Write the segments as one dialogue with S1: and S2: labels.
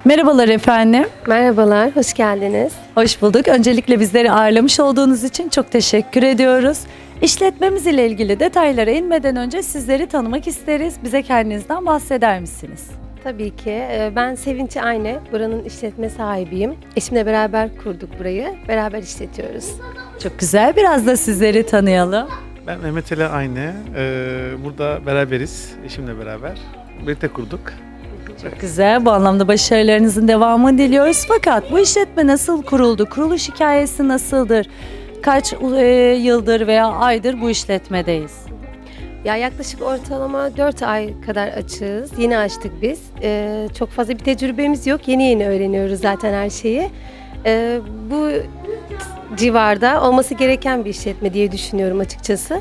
S1: Merhabalar efendim.
S2: Merhabalar, hoş geldiniz.
S1: Hoş bulduk. Öncelikle bizleri ağırlamış olduğunuz için çok teşekkür ediyoruz. İşletmemiz ile ilgili detaylara inmeden önce sizleri tanımak isteriz. Bize kendinizden bahseder misiniz?
S2: Tabii ki. Ben Sevinç Ayne, buranın işletme sahibiyim. Eşimle beraber kurduk burayı, beraber işletiyoruz.
S1: Çok güzel. Biraz da sizleri tanıyalım.
S3: Ben Mehmet Ali Ayne. Burada beraberiz, eşimle beraber. Birlikte kurduk.
S1: Çok güzel. Bu anlamda başarılarınızın devamını diliyoruz. Fakat bu işletme nasıl kuruldu? Kuruluş hikayesi nasıldır? Kaç yıldır veya aydır bu işletmedeyiz?
S2: Ya yaklaşık ortalama 4 ay kadar açığız. Yeni açtık biz. Çok fazla bir tecrübemiz yok. Yeni öğreniyoruz zaten her şeyi. Bu civarda olması gereken bir işletme diye düşünüyorum açıkçası.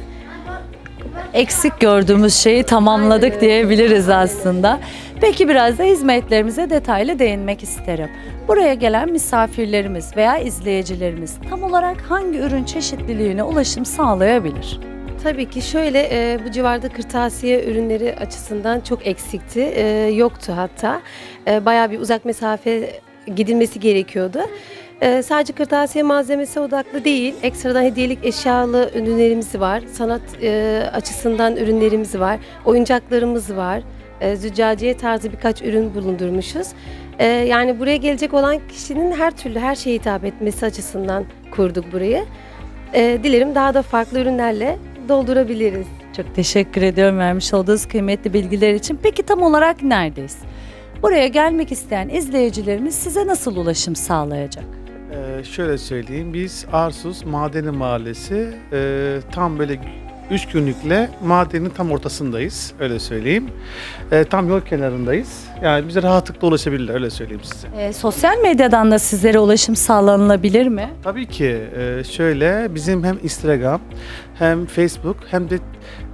S1: Eksik gördüğümüz şeyi tamamladık diyebiliriz aslında. Peki biraz da hizmetlerimize detaylı değinmek isterim. Buraya gelen misafirlerimiz veya izleyicilerimiz tam olarak hangi ürün çeşitliliğine ulaşım sağlayabilir?
S2: Tabii ki şöyle bu civarda kırtasiye ürünleri açısından çok eksikti. Yoktu hatta. Bayağı bir uzak mesafe gidilmesi gerekiyordu. Sadece kırtasiye malzemesi odaklı değil, ekstradan hediyelik eşyalı ürünlerimiz var. Sanat açısından ürünlerimiz var. Oyuncaklarımız var. Züccaciye tarzı birkaç ürün bulundurmuşuz. Yani buraya gelecek olan kişinin her türlü her şeye hitap etmesi açısından kurduk burayı. Dilerim daha da farklı ürünlerle doldurabiliriz.
S1: Çok teşekkür ediyorum vermiş olduğunuz kıymetli bilgiler için. Peki tam olarak neredeyiz? Buraya gelmek isteyen izleyicilerimiz size nasıl ulaşım sağlayacak?
S3: Şöyle söyleyeyim, biz Arsuz Madeni Mahallesi tam böyle 3 günlükle madenin tam ortasındayız, öyle söyleyeyim. Tam yol kenarındayız. Yani bize rahatlıkla ulaşabilirler, öyle söyleyeyim size.
S1: Sosyal medyadan da sizlere ulaşım sağlanılabilir mi?
S3: Tabii ki şöyle, bizim hem Instagram hem Facebook hem de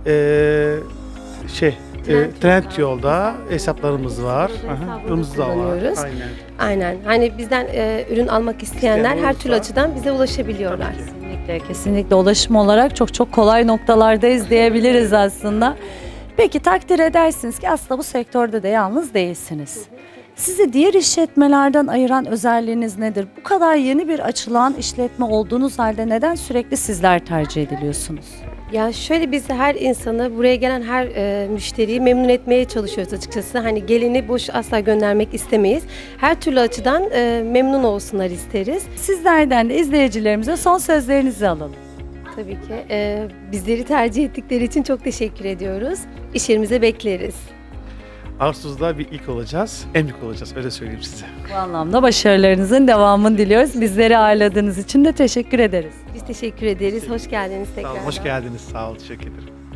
S3: Trendyol'da hesaplarımız var.
S2: Hesabımızı
S3: Da var.
S2: kullanıyoruz.
S3: Aynen.
S2: Aynen. Hani bizden ürün almak isteyenler
S3: İsteyen
S2: her türlü
S3: olursa-
S2: açıdan bize ulaşabiliyorlar.
S3: Tabii ki.
S1: Kesinlikle ulaşım olarak çok kolay noktalardayız diyebiliriz aslında. Peki takdir edersiniz ki aslında bu sektörde de yalnız değilsiniz. Sizi diğer işletmelerden ayıran özelliğiniz nedir? Bu kadar yeni bir açılan işletme olduğunuz halde neden sürekli sizler tercih ediliyorsunuz?
S2: Ya şöyle biz her insanı, buraya gelen her müşteriyi memnun etmeye çalışıyoruz açıkçası. Hani geleni boş asla göndermek istemeyiz. Her türlü açıdan memnun olsunlar isteriz.
S1: Sizlerden de izleyicilerimize son sözlerinizi alalım.
S2: Tabii ki bizleri tercih ettikleri için çok teşekkür ediyoruz. İş yerimize bekleriz.
S3: Arsuz'da bir ilk olacağız, en büyük olacağız, öyle söyleyeyim size.
S1: Bu anlamda başarılarınızın devamını diliyoruz. Bizleri ağırladığınız için de teşekkür ederiz.
S2: Biz teşekkür ederiz. Hoş geldiniz
S3: Sağ
S2: tekrar.
S3: olun, hoş geldiniz, sağ olun, teşekkür ederim.